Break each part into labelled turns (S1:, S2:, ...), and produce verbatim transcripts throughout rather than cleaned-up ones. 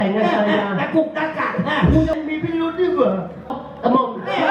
S1: แต่งงานอะไรนะ
S2: ตะกุกตะกักกูยังมีพิรุธด้วยเหรอ
S1: ตะมอง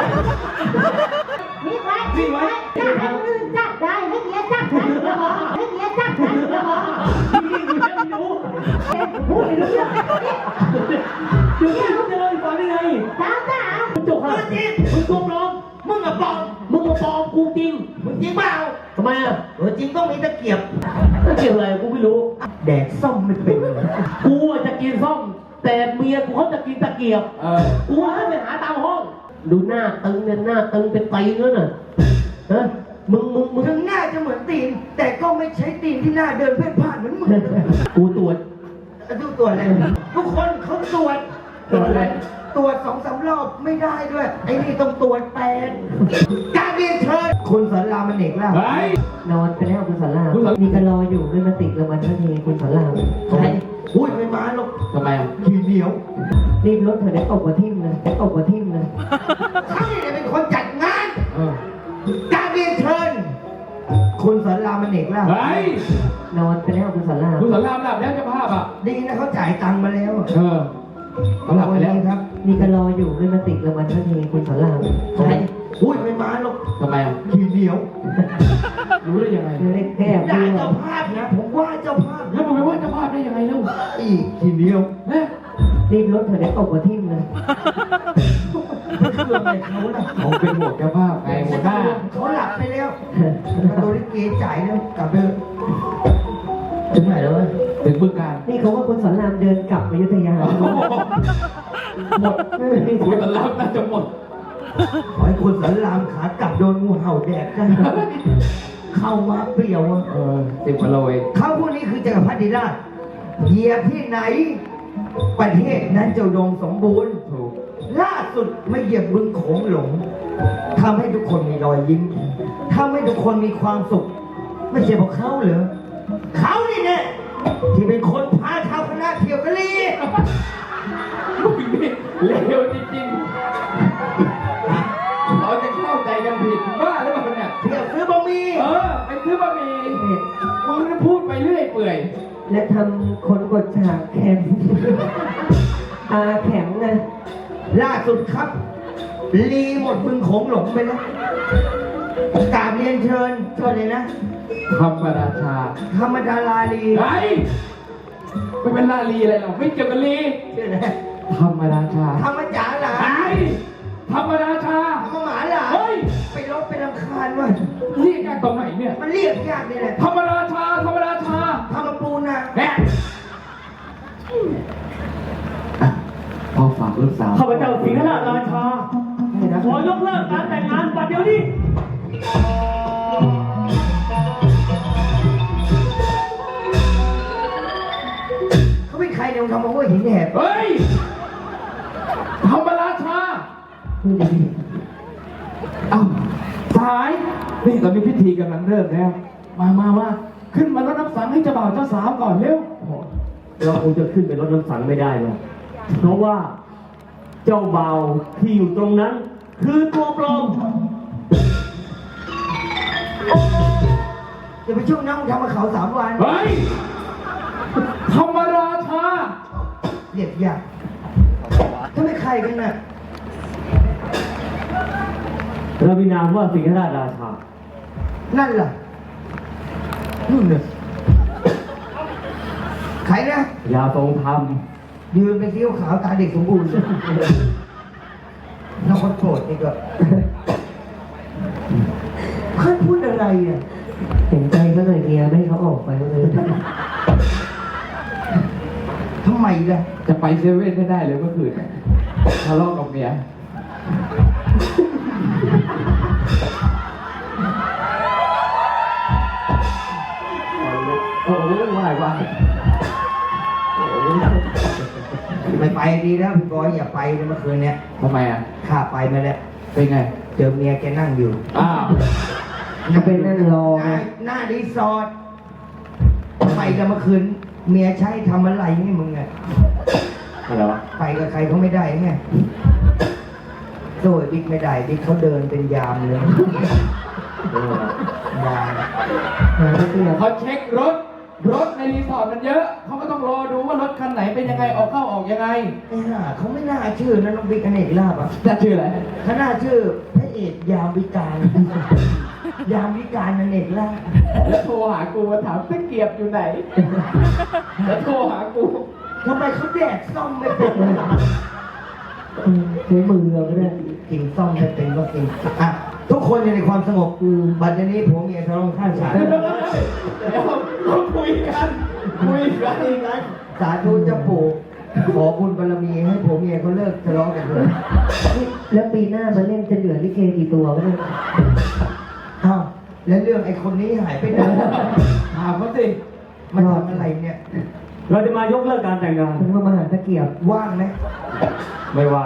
S3: มีไว้มีไว้จับให้คนอื่นจับได้ให้เมียจับได้ก็พอให้เมียจับได้ก็พอ
S1: นี่กูยังไม่รู้
S3: พูดไม่รู้เรื่อง
S1: เดี๋ยวมึงจะเล่าให้ฟังได้ไง
S3: สาวสาว
S1: มึงจบอะไรมึงโกงน้อง
S2: มึงอะปลอม
S1: มึงมาปลอมกูจริง
S2: มึงจริงเปล่า
S1: ทำไมอ่ะ
S2: เออจริงต้องมีตะเกียบ
S1: ก็เกี่ยวอะไรกูไม่รู้
S2: แดกส้มไม่เป็นเลย
S1: กูอะจะกินส้มแต่เมียกูเขาจะกินตะเกียบ
S2: เออ
S1: กูให้ไปหาตามห้อง ดูหน้าตึงเนี่ยหน้าตึงเป็นไตแล้วน่ะฮะมึงมึงมึง
S2: ถึงหน้าจะเหมือนตีน แต่ก็ไม่ใช่ตีนที่หน้าเดินเพ่นพ่านเหมือนมึง
S1: กูตรวจ
S2: ทุกตัวอะไรทุกคนเขาตรวจ
S1: ตรวจอะไร
S2: ตรวจสองสามรอบไม่ได้ด้วย ไอ้นี่ต้องตรวจแปดการเรียนเชิญคุณสอนรามมันเอกแล้ว
S4: เฮ้ย
S5: นอนไปแล้วคุณสอนราม
S4: คุณสอน
S5: มีกันรออยู่ไม่มาติดรางวัลทันทีคุณสอนราม
S2: ใช่อุ้ยไม่มาหรอก
S4: ทำไมอ่ะ
S2: ทีเหนียว
S5: รีบรถเถอะได้ตกกว่าทิ่มเลยได้ตกกว่าทิ่มเลย
S2: เขาเนี่ยเป็นคนจัดงาน
S4: เออ
S2: การเรียนเชิญคุณสอนรามมันเอกแล้ว
S4: เฮ้ย
S5: นอนไปแล้วคุณสอนราม
S4: คุณสอนรามหลับแล้วเจ้าภาพอ่ะ
S2: ดีนะเขาจ่ายตังค์มาแล้ว
S4: เออเขาหลับไปแล้ว
S2: ครับ
S5: มีกันรออยู่ไม่มาติดรางวัลทันทีคุณสอนราม
S2: ใช่อุ้ยไม่มาหรอก
S4: ทำไมอ่ะ
S2: ทีเหนียว
S4: รู้ได้ยังไง
S5: เล็กแก้ว
S2: ด่า
S5: ด้วย
S2: เจ้าภาพนะผมว่าเจ้าภาพ
S4: แล้วมึงไปว่าเจ้าภาพได้ยังไงเล่า
S2: อีกทีเหนียว
S4: เอ๊ะ
S5: รีบรถเถอะได้ตกกว่าทิ่มเลย
S2: เครื่องอะไรเขาล่ะ
S4: เขาเป็นห่วงเจ้าภาพไงหัวหน้า
S2: เขาหลับไปแล้วโดนลิเกจ่ายแล้วกลับไปเถอะถึงไหนแล้ววะ
S4: ถึงบึงการ
S5: นี่เขาว่าคุณสอนรามเดินกลับอยุธยา
S4: หมดคุณสอนรามน่าจะหมด
S2: ขอให้คุณสอนรามขากลับโดนงูเห่าแดกกันเข้ามาเปรี้ยวอะ
S4: เออสิบกิโลเอง
S2: เขาพวกนี้คือจักรพรรดิราชเหยียบที่ไหน ประเทศนั้นจะอุดมสมบูรณ์
S4: ถูก
S2: ล่าสุดมาเหยียบบึงโขงหลงทำให้ทุกคนมีรอยยิ้มทำให้ทุกคนมีความสุข ไม่ใช่เพราะเขาเหรอเขานี่เนี่ยที่เป็นคนพาชาวคณะเที่ยวกะลี
S4: ลูกนี่เลวจริงๆเราจะเข้าใจกันผิดบ้าหรือเปล่าเนี่ย
S2: เที่ยวซื้อบะหมี่
S4: เออไปซื้อบะหมี่มึงนี่พูดไปเรื่อยเปื่อย
S5: และทำคนกดฉากแข็งตาแข็งนะ
S2: ล่าสุดครับ ลีหมดบึงโขงหลงไปแล้วกราบเรียนเชิญเชิญเลยนะ
S4: ธรรมราชา
S2: ธรรมดาลาลี
S4: ไอ้ไม่เป็นลาลีอะไรหรอกไม่เกี่ยวกับลี
S2: ชื่ออะไร
S4: ธรรมราชา
S2: ธรรมจ๋าหลา
S4: ไอ้ธรรมราชา
S2: ธรรมหมาหลา
S4: เฮ้ย
S2: ไปรบไปรำคาญว่ะ
S4: เรียกกันตรงไหนเนี่ย
S2: มันเรียกยากนี่แหละ
S4: ธรรมราชาธรรมราชา
S2: ธรรมปูนะ
S4: แม่อ่ะพ่อฝากลูกสาว
S1: ข้าพเจ้าสิงห์ราชราชาขอยกเลิกการแต่งงานบัดเดี๋ยวนี้
S2: เขาเป็นใครเนี่ยมึงทำมาว่าหินแหบ
S4: เฮ้ยธรรมราชา
S5: พูดดี
S4: เอ้าสายนี่ตอนนี้พิธีกำลังเริ่มแล้ว มามามาขึ้นมารับน้ำสังให้เจ้าบ่าวเจ้าสาวก่อนเร็ว
S1: เราคงจะขึ้นไปรถน้ำสังไม่ได้หรอกเพราะว่าเจ้าบ่าวที่อยู่ตรงนั้น คือตัวปลอม
S2: อย่าไปช่วงนั่งทำมาเขาสามวัน
S4: เฮ้ยธรรมราชา
S2: เรียกยากถ้าไม่ใครกันน่ะ
S1: เรามีนามว่าสิงห์ราชราชา
S2: นั่นล่ะนู่นเนี่ยใครนะ
S1: ยาทรงธรรม
S2: ยืนเป็นเสี้ยวขาวตาเด็กสมบูรณ์น้องคนโกรธนี่ก็เพื่อนพูดอะไรอ่ะ
S5: ๆเห็นใจเขาหน่อยเมียไม่ให้เขาออกไปเลย
S2: ทำไมล่ะ
S4: จะไปเซเว่นไม่ได้เลยเมื่อคืนทะเลาะกับเมีย
S1: โอ้โหว่ายว่าย
S2: ไม่ไปดีแล้วพี่บอยอย่าไปเลยเมื่อคืนเนี้ย
S4: ทำไมอ่ะ
S2: ข้าไปมาแล้ว
S4: เป็นไง
S2: เจอเมียแกนั่งอยู่
S4: อ้าว
S5: จะไปนั่งรอ
S2: หน้าหน้ารีสอร์ทไปกันเมื่อคืน เมียใช้ทำอะไรนี่มึงอ่ะ
S1: อะไรวะ
S2: ไปกับใครเขาไม่ได้ไงโดยบิ๊กไม่ได้บิ๊กเขาเดินเป็นยามเลยยาม
S5: หาไม่เจอ
S4: เขาเช็ครถ รถในรีสอร์ทมันเยอะเขาก็ต้องรอดูว่ารถคันไหนเป็นยังไงออกเข้าออกยังไง
S2: ไอ้ห่าเขาไม่น่าชื่อนะน้องบิ๊กอเนกลาบอ่ะ
S4: จะชื่ออะไร
S2: เขาน่าชื่อพระเอกยามวิการ ยามวิการอเนกลาบ
S4: แล้วโทรหากูมาถามตะเกียบอยู่ไหน แล้วโทรหากู
S2: ทำไมเขาแดกซ่อมไม่เป็นเลย
S5: เออใช้มือเราก็ได้
S2: กินซ่อมไม่เป็นก็กินอ่ะทุกคนอยู่ในความสงบบัดนี้ผมเมียทะเลาะข้างฉาก
S4: เดี๋ยวเราคุยกันคุยกัน
S2: คุยกันสาธุเจ้าปู่ขอบุญบารมีให้ผมเมียเขาเลิกทะเลาะกันเลย
S5: นี่แล้วปีหน้ามาเล่นจะเหลือลิเกกี่ตัวก็ได้
S2: อ้าวแล้วเรื่องไอ้คนนี้หายไปไหน
S4: ถามเขาสิ
S2: มันทำอะไรเนี่ย
S1: เราจะมายกเลิกการแต่งงาน
S5: ถึงว่ามาหาตะเกียบ
S2: ว่างไหม
S1: ไม่ว่าง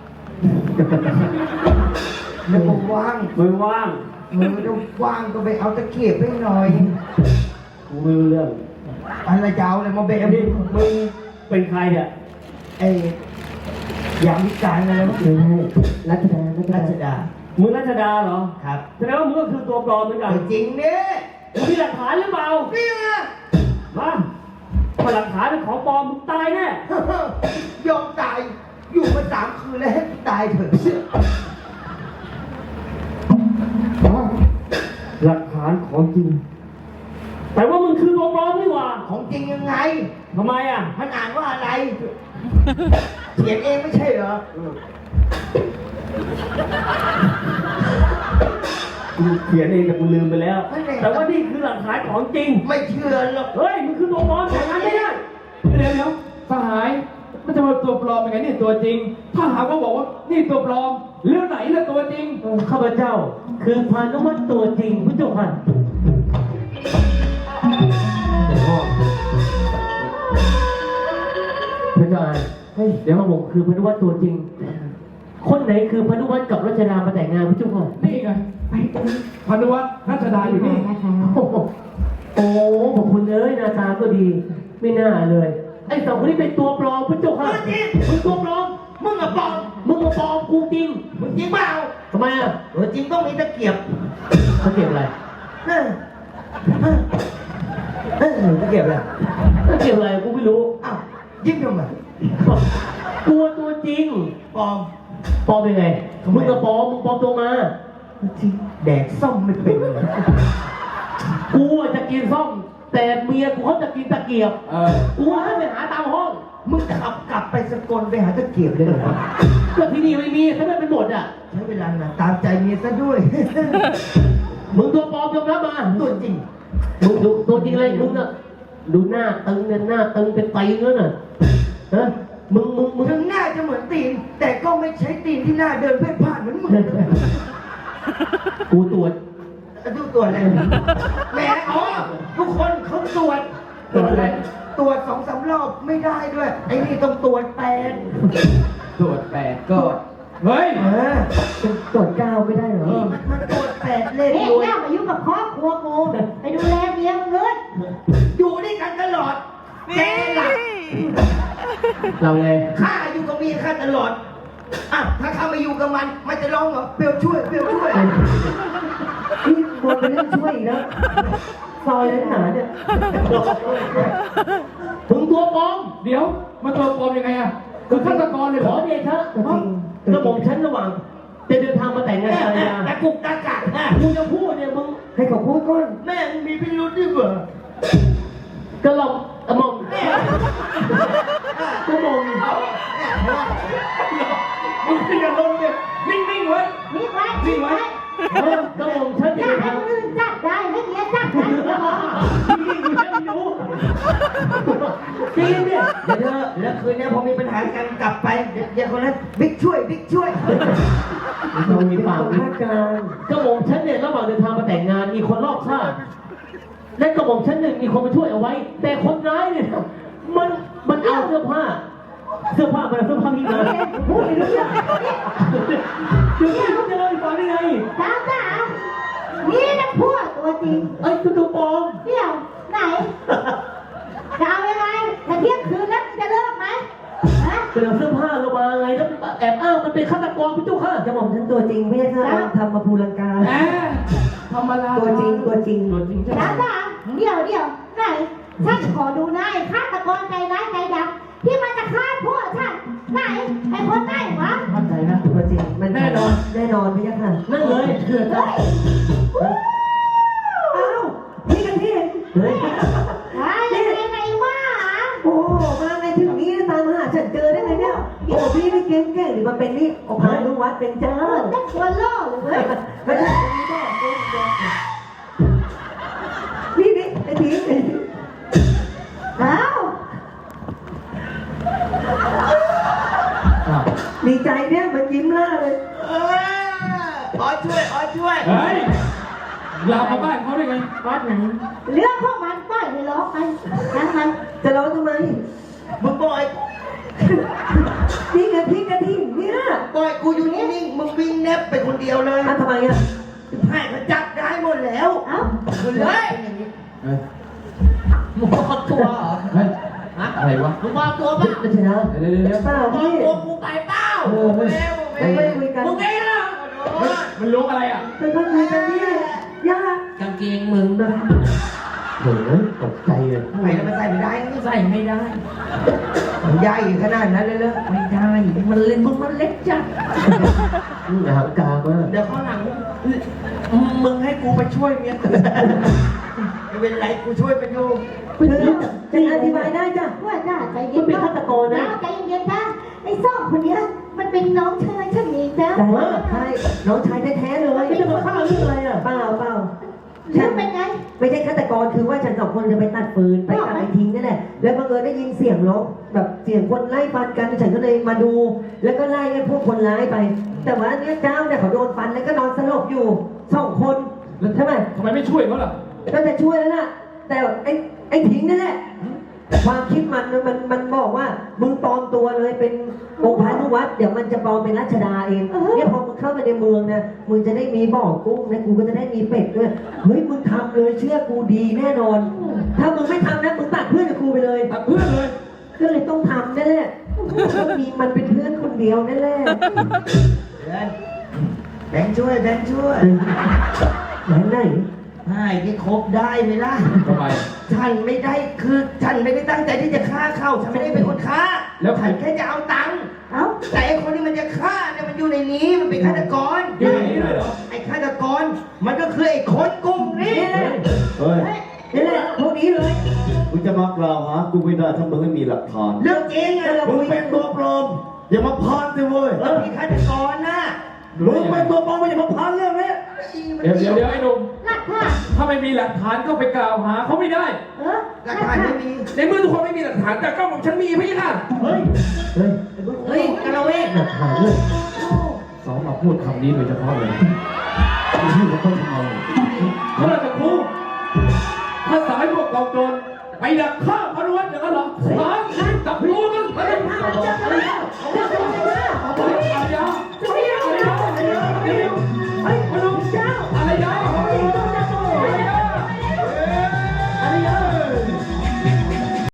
S2: แล้วผมว่าง
S1: ไม่ว่าง
S2: มือต้องว่างก็ไปเอาตะเกียบไปหน่อย
S1: กูไม่รู้เรื่อง
S2: อะไรจะเอาอะไรมาเบะ
S1: นี่มึงเป็นใครเนี่ย
S2: ไอ้ยามวิการอะไรวะ
S5: ไม่ใช่รัชดารัช
S2: รั
S5: ดา
S2: ชดา
S1: มึงรัชดาเหรอ
S2: ครับ
S1: แสดงว่ามึงก็คือตัวปลอมเหมือนกัน
S2: จริงเนี่ย
S1: มึงมีหลักฐานหรือเปล่า
S2: นี่ไง
S1: มาถ้าหลักฐานเป็นของปลอมมึงตายแน่
S2: ยอมตาย อยู่มาสามคืนแล้วให้ตายเถอะ
S1: หลักฐานของจริง แต่ว่ามึงคือตัวปลอมนี่หว่า
S2: ของจริงยังไง
S1: ทำไมอ่ะ
S2: มันอ่านว่าอะไร เขียนเองไม่ใช่เหรอ
S1: กูเขียนเองแต่กูลืมไปแล้ว แต่ว่านี่คือหลักฐานของจริง
S2: ไม่เชื่อหรอก
S1: เฮ้ยมึงคือตัวปลอมแต่งงานไม่ได้
S4: เดี๋ยวเดี๋ยวสหายมันจะมาตัวปลอมยังไงนี่ตัวจริง ถ้าหากว่าบอกว่านี่ตัวปลอมเรื่องไหนล่ะตัวจริง
S5: ข้าพเจ้า คือพานุวัตรตัวจริงพระเจ้าค่ะพระเจ้าอ่านเฮ้ยเดี๋ยวมาบอกคือพานุวัตรตัวจริง คนไหนคือพานุวัตรกับรัชดามาแต่งงานพระเจ้าค่ะ
S4: นี่ไงพานุวัฒน์รัชดาอยู่นี่
S5: โอ้โหโอ้ขอบคุณเลยหน้าตาก็ดี ไม่น่าเลย ไอ้สองคนนี้เป็นตัวปลอมพระเจ้าค่ะมึงตัวปลอม
S2: มึงอะปลอม
S5: มึงมาปลอมกูจริง
S2: มึงจริงเปล่า
S5: ทำไมอ่ะ
S2: เออจริงต้องมีตะเกียบ
S5: เขาเก็บอะไร
S2: เออเออเออตะเกียบอะไร
S5: เขาเก็บอะไรกูไม่รู้
S2: อ้าวยิ้มทำไม
S5: ตัวตัวจริง
S2: ปลอม
S5: ปลอมยังไง
S2: ทำไม
S5: มึงก็ปลอมมึงปลอมตัวมา
S2: จริงแดกซ่อมไม่เป็นเลย
S5: กูอะจะกินส้มแต่เมียกูเขาจะกินตะเกียบ
S4: เออ
S5: กูให้ไปหาตามห้อง
S2: มึงขับกลับไปสกลไปหาตะเกียบเลยเหรอ
S5: ก็ที่นี่ไม่มีถ้าไม่เป็นหมดอ่ะ
S2: ใช้เวลานานตามใจเมียซะด้วย
S5: มึงตัวปลอมยอมรับมา
S2: ตัวจริง
S5: มึงดูตัวจริงเลยมึงน่ะดูหน้าตึงเนี่ยหน้าตึงเป็นตีนแล้วน่ะฮะมึงมึงมึง
S2: ถึงหน้าจะเหมือนตีน แต่ก็ไม่ใช่ตีนที่หน้าเดินเพ่นพ่านเหมือนมึง
S5: กูตรวจ
S2: ดูตัวอะไรแหมอ๋อทุกคนเขาตรวจ
S5: ตรวจอะไร
S2: ตรวจสองสามรอบไม่ได้ด้วย ไอ้นี่ต้องตรวจแปด
S4: ตรวจแปดก็เฮ้ย
S2: เออ
S5: ตรวจเก้าไม่ได้เหรอ
S2: มันมันตรวจแปดเลข
S3: เฮ้ย
S2: รวย
S3: ย่ามายุ่งกับครอบครัวกูไปดูแลเมียมึงเลย
S2: อยู่ด้วยกันตลอดแกหลับ
S5: เราไง
S2: ข้าอยู่กับเมียข้าตลอดอ่ะถ้าข้ามาอยู่กับมัน มันจะร้องเหรอเปรียวช่วยเปรียวช่วย
S5: นี่ควรไปเล่นช่วยอีกแล้วซอยเล่นหนาเนี่ยถึงตัวปลอม
S4: เดี๋ยวมาตัวปลอมยังไงอะคือฆาตกรเลย
S5: ข
S4: เหร
S5: อ
S4: อ
S5: เดชะกระบอกฉันระหว่างจะเดินทางมาแต่งงานภรรยา
S2: ตะกุกตะกักอ่ะ
S5: กูจะพูดเนี่ยมึงให้เขาพูดก่อน
S2: แม่งมีพิรุธด้วยเหรอก
S5: ระหล่อมกระหม่อมกระหม่อม
S4: มึงอย่าลงเลยนิ่งๆไว้
S3: มีไว้
S4: นิ่งไว้
S5: เออกระหม่อมฉัน
S3: อ
S5: จะ
S3: ยา
S5: เดิ
S3: ก
S5: น
S3: ให้
S5: ทาง
S3: คนอื่นจับได้ให้เมียจับได้เหรอ
S5: นี่กูจะไม่รู้จริงเนี่ย
S2: เดี๋ยวเธอแล้วคืนนี้พอมีปัญหากันกลับไป เดี๋ยวเดี๋ยวคนนั้นบิ๊กช่วยบิ๊กช่วย
S5: เรามีปากคาดการกระหม่อมฉันเนี่ยระหว่างเดินทางมาแต่งงานมีคนรอบข้างและกระหม่อมฉันหนึ่งมีคนมาช่วยเอาไว้ แต่คนร้ายเนี่ยมันมันเอาเสื้อผ้า เสื้อผ้ามันเอาเสื้อผ้าพี่มาพูดไม่รู้เรื่องเดี๋ยวพี่จะเล่าให้ฟังได้ไง
S3: สาวสาวนี่นะพวกตัวจริง
S5: ไอ้ตัวตัวปลอม
S3: เดี๋ยวไหนจะเอายังไงถ้าเที่ยงคืนแล้วจะเลิกไหมฮะ
S5: เสื้อเสื้อผ้าเรามาไงแล้วแอบอ้างมันเป็นฆาตกรพี่เจ้าค่ะจะบอกฉันตัวจริงไม่ใช่ค่ะทำมาภูลังกา
S4: แหมธรรมดา
S5: ตัวจริงตัวจริงตัวจริงใช่ไหม
S3: สาวสาวเดี๋ยวเดี๋ยวไหนฉันขอดูหน้าไอ้ฆาตกรใจร้ายใจดำที่มันจะฆ่าพวกฉันไหนไอ้คนไหนวะ
S4: มั่นใจนะ
S2: ตัวจริงมันแน่นอนแน่นอนพี่ยักษ์ค่ะ
S5: นั่นเลยเถื่อน
S3: เฮ้ย
S2: อ้าวพี่กันพี่
S5: เฮ้ย
S3: ไอ้ยังไงไอ้บ้า
S2: โอ้มาไงถึงนี้ตามหาฉันเจอได้ไงเนี่ยโอ้พี่ไม่เก่งเก่งหรือมาเป็นนี่โอ้พานุวัดเป็นเจ้า
S3: เออได้ควรล่อเลยเว้ย
S2: ไม่ใช่นี่นี่ไอ้ที
S3: เอ้า
S4: อ้าว
S2: ดีใจเนี่ยมันยิ้มล่าเลย
S6: อ๋อช่วยอ๋อช่วย
S4: เฮ้ยลามมาบ้านเขาได้ไง
S3: ก้อนไหนเรื่องพวกมันปล่อยให้ร้องไปนั่นมัน
S2: จะร้องทำไม
S6: มึงปล่อย
S2: นี่ไงพี่กระทิงเนี่ย
S6: ปล่อยกูอยู่นิ่งๆมึงวิ่งแนบไปคนเดียวเลย
S2: อ่ะทำไมอ่ะ
S6: ให้เขาจับได้หมดแล้ว
S3: เอ้า
S6: คุณเลย
S4: เฮ้ย
S6: มึงบอกตัวเหรอ
S4: เฮ้ยอะไรวะ
S6: มึงบอกตัวเปล่า
S2: ไม่ใช่นะ
S4: เดี๋ยวเดี๋ยวเดี๋ยว
S2: เปล่า
S6: บอก
S2: พี่
S6: ตัวกูไปเปล่า
S2: เออไม่ไม่คุยกัน
S6: มึงเองอ่ะ
S4: เฮ้ยมันรู้อะไรอ่ะ
S2: ไม่ค่อยคุยกันพี่ย่าก
S6: างเกงมึงนะ
S1: โถ่ตกใจเลย
S6: ใส่แล้วมันใส่ไม่ได้ใส่ไม่ได้
S2: มันใหญ่ขนาดนั้นเลยเหรอ
S6: ไม่ได้ มันเล่นมึงมันเล็กจัด
S1: อย่าหางกลางมาก
S6: เดี๋ยวข้างหลังมึงให้กูไปช่วยเมียกูไม่เป็นไรกูช่วยไปอยู่
S2: คือจะอธิบายได้จ้ะ
S3: ว่าจ้าใจเย็นใจเย็นนะไอ้ซ่องคนเนี้ยมันเป็นน้องชายฉันเองนะ
S2: แต่ว่าใช่น้องชายแท้ๆเลย
S1: ไม่จะมาฆ่าเรื่องอะไรอ่ะ
S2: เปล่าเปล่า
S3: เรื่องเป็นไง
S2: ไม่ใช่ฆาตกรคือว่าฉันสองคนจะไปตัดฟืนไปตัดไอ้ทิ้งนั่นแหละแล้วบังเอิญได้ยินเสียงร้องแบบเสียงคนไล่ฟันกันฉันก็เลยมาดู แล้วก็ไล่ไอ้พวกคนร้ายไป แต่ว่าเนี่ยเจ้าเนี่ยเขาโดนฟันแล้วก็นอนสลบอยู่สองคนใช่ไหม
S4: ทำไมไม่ช่วยเขาล่ะ
S2: ก็จะช่วยแล้วนะแต่ไอ้ไอ้ทิ้งนั่นแหละความคิดมันนะมันมันบอกว่ามึงปลอมตัวเลยเป็นองค์พานุวัดเดี๋ยวมันจะปลอมเป็นรัชดาเองเนี่ยพอมึงเข้ามาในเมืองนะมึงจะได้มีบ่อกุ้งนะกูก็จะได้มีเป็ดด้วยเฮ้ยมึงทำเลยเชื่อกูดีแน่นอน ถ้ามึงไม่ทำนะมึงตัดเพื่อนกับกูไปเลย
S4: ตัดเพื่อนเลย
S2: ก็เลยต้องทำนั่นแหละก็มีมันเป็นเพื่อนคนเดียวนั่นแหละ
S6: เดินแบงค์ช่วยแบงค์ช่วย
S2: ไหนไหน
S6: ให้ที่ครบได้ไหมล่ะ
S4: ทำไม
S6: ฉันไม่ได้คือฉันไม่ได้ตั้งใจที่จะฆ่าเขาฉันไม่ได้เป็นคนฆ่า
S4: แล้วใคร
S6: ฉันแค่จะเอาตังค์
S3: เอ้า
S6: แต่ไอ้คนที่มันจะฆ่าเนี่ยมันอยู่ในนี้มันเป็นฆาตกร
S4: อยู่ในนี้เลยเหรอ
S6: ไอ้ฆาตกรมันก็คือไอ้คนกลุ่มนี้
S7: เฮ้ย
S2: นี่แหละพวกนี้เลย
S7: มึงจะมากล่าวหากูไม่ได้ถ้ามึงไม่มีหลักฐาน
S6: เรื่องจริงอะเรา
S7: มึง
S6: คุย
S7: เป็นตัวปลอม อย่ามาพานสิเว้ย
S6: เรามีฆาตกรนะ
S7: มึงเป็นตัวปลอมอย่ามาพานเรื่องนี้
S4: เดี๋ยวเดี๋ยวเดี๋ยวไอ้หนุ่ม
S3: หลักฐาน
S4: ถ้าไม่มีหลักฐานก็ไปกล่าวหาเขาไม่ได้
S3: เออ
S6: หลักฐานไม่มี
S4: ในเมื่อทุกคนไม่มีหลักฐานแต่กล้องของฉันมีพี่ค่ะ
S1: เฮ้ย เฮ้ย
S6: เฮ้ยกระเวก
S1: หลักฐานเลย
S4: สองมาพูดคำนี้โดยเฉพาะเลย
S1: ที่เราต้องทำ
S4: เมื่อจะครูถ้าสายพวกเราโจรไปดักฆ่าพนุวัฒน์อย่างนั้นเหรอสามจับรู้กันไปเอาไปเอายาอะไรยาอะไรยาอะไรยาเฮ้ยพนุเจ้าอะไรยา